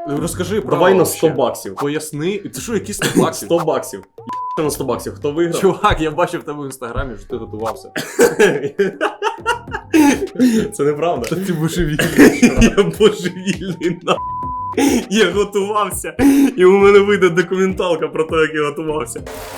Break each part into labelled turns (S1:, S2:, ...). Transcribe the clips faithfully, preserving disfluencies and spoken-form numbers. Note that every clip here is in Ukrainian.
S1: Розкажи про
S2: Давай на сто баксів.
S1: Поясни. Це що, які сто баксів?
S2: сто баксів. На сто баксів. Хто виграв?
S1: Чувак, я бачив в тебе в інстаграмі, що ти готувався.
S2: Це неправда.
S1: Та ти божевільний.
S2: Я божевільний, на. Я готувався. І у мене вийде документалка про те, як я готувався.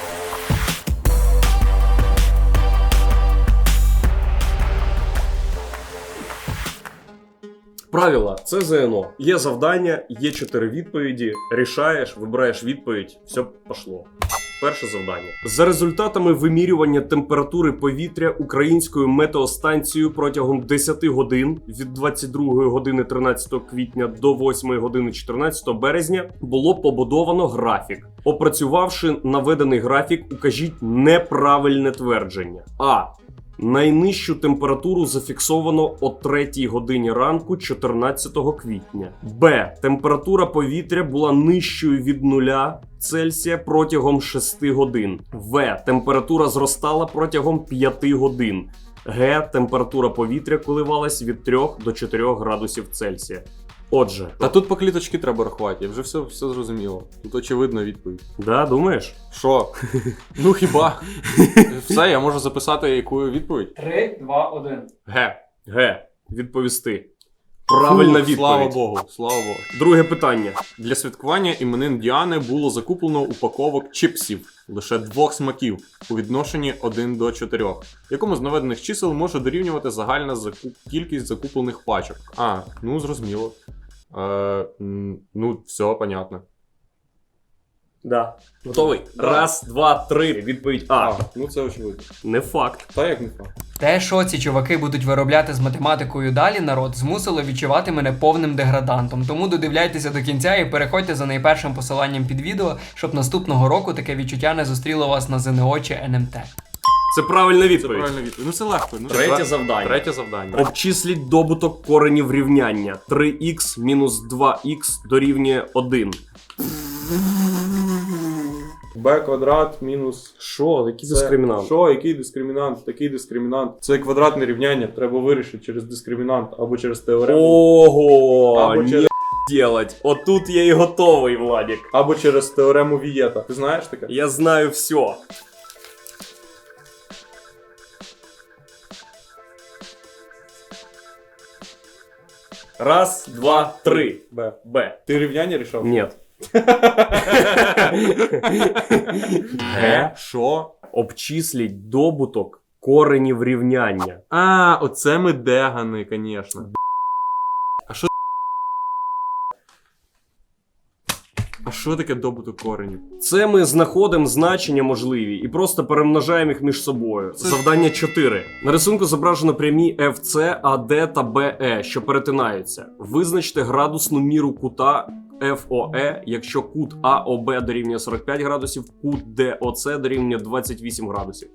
S2: Правила. Це ЗНО. Є завдання, є чотири відповіді. Рішаєш, вибираєш відповідь. Все пішло. Перше завдання. За результатами вимірювання температури повітря українською метеостанцією протягом десяти годин від двадцять другої години тринадцятого квітня до восьмої години чотирнадцятого березня було побудовано графік. Опрацювавши наведений графік, укажіть неправильне твердження. А. Найнижчу температуру зафіксовано о третій годині ранку чотирнадцятого квітня. Б. Температура повітря була нижчою від нуля Цельсія протягом шести годин. В. Температура зростала протягом п'яти годин. Г. Температура повітря коливалась від трьох до чотирьох градусів Цельсія. Отже.
S1: Та тут по кліточки треба рахувати, я вже все, все зрозуміло. Тут очевидна відповідь.
S2: Да, думаєш?
S1: Що? Ну хіба? Все, я можу записати яку відповідь?
S3: три, два, один.
S1: Г.
S2: Г. Відповісти. Правильна
S1: Фу,
S2: відповідь.
S1: Слава Богу, слава Богу.
S2: Друге питання.
S1: Для святкування іменин Діани було закуплено упаковок чипсів лише двох смаків у відношенні один до чотирьох, якому з наведених чисел може дорівнювати загальна закуп... кількість закуплених пачок. А, ну зрозуміло. Е, м, ну, все, понятно.
S2: Да. Готовий?
S1: Да.
S2: Раз, два, три. Відповідь А.
S1: А, ну це очевидно.
S2: Не факт.
S1: Та як не факт.
S3: Те, що ці чуваки будуть виробляти з математикою далі, народ, змусило відчувати мене повним деградантом. Тому додивляйтеся до кінця і переходьте за найпершим посиланням під відео, щоб наступного року таке відчуття не зустріло вас на ЗНО чи ен ем те.
S2: Це правильна
S1: Це
S2: відповідь.
S1: правильна відповідь. Ну це легко. Ну,
S2: Третє
S1: це...
S2: завдання.
S1: Третє завдання.
S2: Обчисліть добуток коренів рівняння. три х мінус два х дорівнює один.
S1: Б квадрат мінус...
S2: Що? Який
S1: Це-
S2: дискримінант?
S1: Що? Який дискримінант? Такий дискримінант. Це квадратне рівняння, треба вирішити через дискримінант або через теорему.
S2: Ого!
S1: Або
S2: Не
S1: через-
S2: делать. Отут я і готовий, Владик.
S1: Або через теорему Вієта. Ти знаєш таке?
S2: Я знаю все. Раз, два, три.
S1: Б.
S2: Б.
S1: Ти рівняння рішав?
S2: Нет.
S1: Г. Що?
S2: Обчисліть добуток коренів рівняння.
S1: А, оце ми дегани, звісно. А що? А що таке добуток коренів?
S2: Це ми знаходимо значення можливі і просто перемножаємо їх між собою.
S1: Це-
S2: Завдання чотири. На рисунку зображено прямі еф це, ей ді та бе е, що перетинаються. Визначте градусну міру кута еф о е, якщо кут а о бе дорівнює сорок п'ять градусів, кут де о це дорівнює двадцять вісім градусів.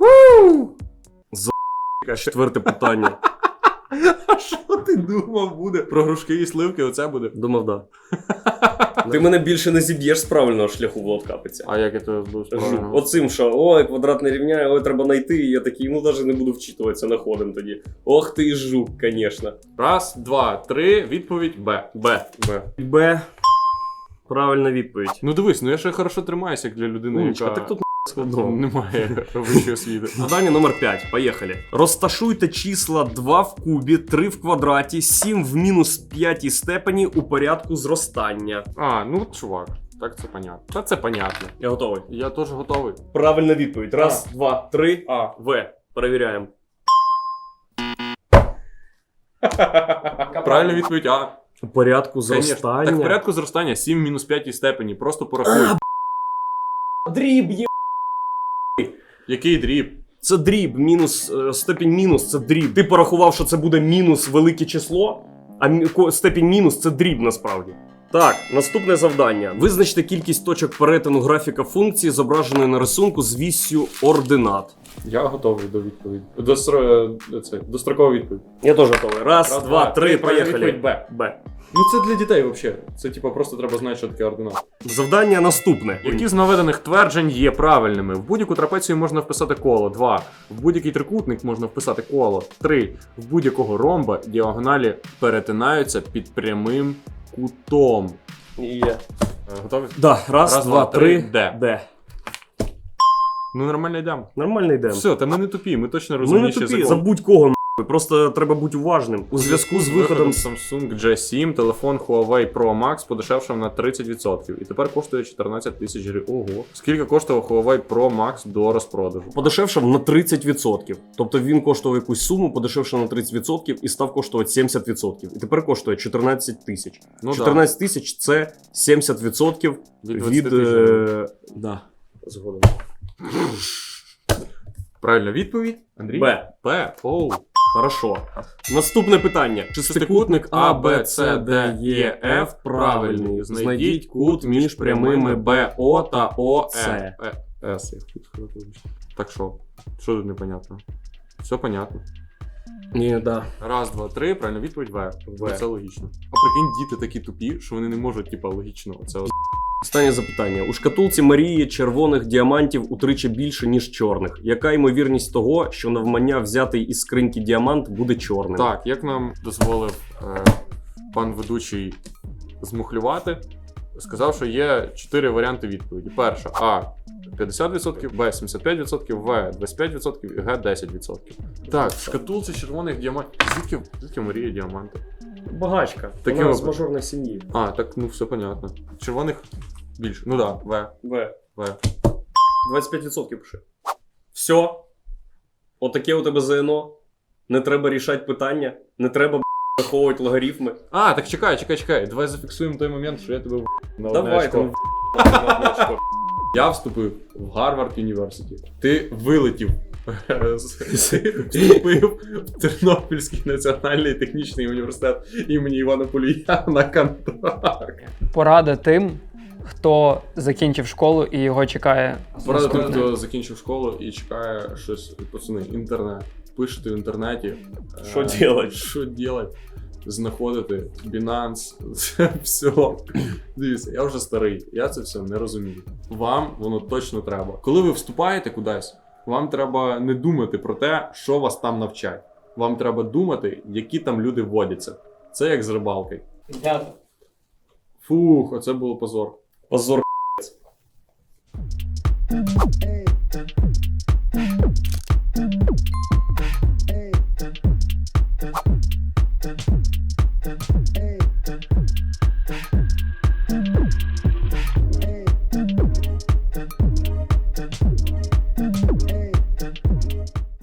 S2: За***ка, четверте питання.
S1: А що ти думав буде? Про грушки і сливки оце буде?
S2: Думав, да. Ти мене більше не зіб'єш з правильного шляху, Влад Капиця.
S1: А як я тебе буду
S2: Жу. Оцим, що ой, квадратне рівняння, ой, треба знайти, і я такий, ну навіть не буду вчитуватися, находим тоді. Ох ти і жук, звісно.
S1: Раз, два, три, відповідь Б.
S2: Б.
S1: Б.
S2: Б. Правильна відповідь.
S1: Ну дивись, ну я ще хорошо тримаюся, як для людини,
S2: Умничка,
S1: яка
S2: так тут складно.
S1: немає вищої освіти.
S2: Завдання номер п'ять. Поїхали. Розташуйте числа два в кубі, три в квадраті, сім в мінус п'ятій степені у порядку зростання.
S1: А, ну чувак, так це понятно. Та це понятно.
S2: Я готовий.
S1: Я теж готовий.
S2: Правильна відповідь. Раз, два, три.
S1: А.
S2: В. Перевіряємо.
S1: Правильна відповідь А.
S2: У порядку
S1: Конечно.
S2: зростання.
S1: Так в порядку зростання сім в мінус п'ятій степені. Просто порахуй.
S2: Дріб є.
S1: Який дріб?
S2: Це дріб, мінус, е, степінь мінус, це дріб. Ти порахував, що це буде мінус велике число, а мі- ко- степінь мінус це дріб насправді. Так, наступне завдання. Визначте кількість точок перетину графіка функції, зображеної на рисунку з віссю ординат.
S1: Я готовий до відповіді. До, стро... це, до строкової відповіді.
S2: Я теж готовий. Раз,
S1: Раз,
S2: два,
S1: два,
S2: три,
S1: три, правильна
S2: поїхали.
S1: відповідь Б.
S2: Б.
S1: Ну це для дітей взагалі. Це типа просто треба знати, що таке ординат.
S2: Завдання наступне.
S1: Які з наведених тверджень є правильними? В будь-яку трапецію можна вписати коло. два. В будь-який трикутник можна вписати коло. три. В будь-якого ромба діагоналі перетинаються під прямим кутом.
S2: Є.
S1: Е, Готові?
S2: Да, раз,
S1: Раз,
S2: два,
S1: два, три,
S2: три.
S1: де?
S2: Де?
S1: Ну нормально йдемо.
S2: Нормально йдемо.
S1: Все, та ми не тупі, ми точно
S2: Ми не
S1: розумніші
S2: тупі,
S1: за кого.
S2: забудь кого нахуй. Просто треба бути уважним. У зв'язку з виходом
S1: Samsung джі сім телефон Huawei Pro Max подешевшав на тридцять відсотків і тепер коштує чотирнадцять тисяч гривень. Ого. Скільки коштував Huawei Pro Max до розпродажу?
S2: подешевшав на тридцять відсотків. Тобто він коштував якусь суму, подешевшав на тридцять відсотків і став коштувати сімдесят відсотків. І тепер коштує чотирнадцять тисяч.
S1: Ну,
S2: чотирнадцять тисяч це сімдесят відсотків
S1: Від
S2: від...
S1: двадцяти тисяч.
S2: е, Да. Згодом.
S1: Правильна відповідь? Андрій?
S2: Б.
S1: Б. Оу.
S2: Хорошо. Наступне питання.
S1: Шестикутник А, Б, С, Д, Е, Ф правильний. Знайдіть кут між прямими Б, О та О, Е. Е, С. я хотів сказати, вибачте. Так що? Що тут непонятно? Все понятно.
S2: Ні, да.
S1: Раз, два, три, правильна відповідь В.
S2: В.
S1: Це логічно. А прикинь, діти такі тупі, що вони не можуть, типа, логічно. Це от.
S2: Останнє запитання. У шкатулці Марії червоних діамантів утричі більше, ніж чорних. Яка ймовірність того, що навмання взятий із скриньки діамант буде чорним?
S1: Так, як нам дозволив е, пан ведучий змухлювати, сказав, що є чотири варіанти відповіді. Перша А п'ятдесят відсотків, Б сімдесят п'ять відсотків, В двадцять п'ять відсотків і Г десять відсотків. Так, в шкатулці червоних діамантів. Звідки, звідки Марія діаманти?
S2: Багачка.
S1: Таке
S2: Вона
S1: от.
S2: з мажорної сім'ї.
S1: А, так, ну все понятно. Червоних більше. Ну так, да, В.
S2: В.
S1: В.
S2: двадцять п'ять відсотків пиши. Все. Отаке у тебе ЗНО. Не треба рішати питання. Не треба б**, враховувати логарифми.
S1: А, так чекай, чекай, чекай. Давай зафіксуємо той момент, що я тебе в на одне
S2: Давай
S1: очко.
S2: там.
S1: Я вступив в Гарвард Юніверситі. Ти вилетів. Вступив в Тернопільський національний технічний університет імені Івана Полія на контракт.
S3: Порада тим, хто закінчив школу і його чекає.
S1: Порада тим,
S3: наступне.
S1: хто закінчив школу і чекає щось, пацани, інтернет. Пишете в інтернеті.
S2: Що
S1: е,
S2: делать?
S1: Що делать? Знаходити Binance, це все. Дивіться, я вже старий, я це все не розумію. Вам воно точно треба. Коли ви вступаєте кудись, вам треба не думати про те, що вас там навчать. Вам треба думати, які там люди водяться. Це як з рибалки.
S3: Дякую.
S1: Фух, оце було позор.
S2: Позор.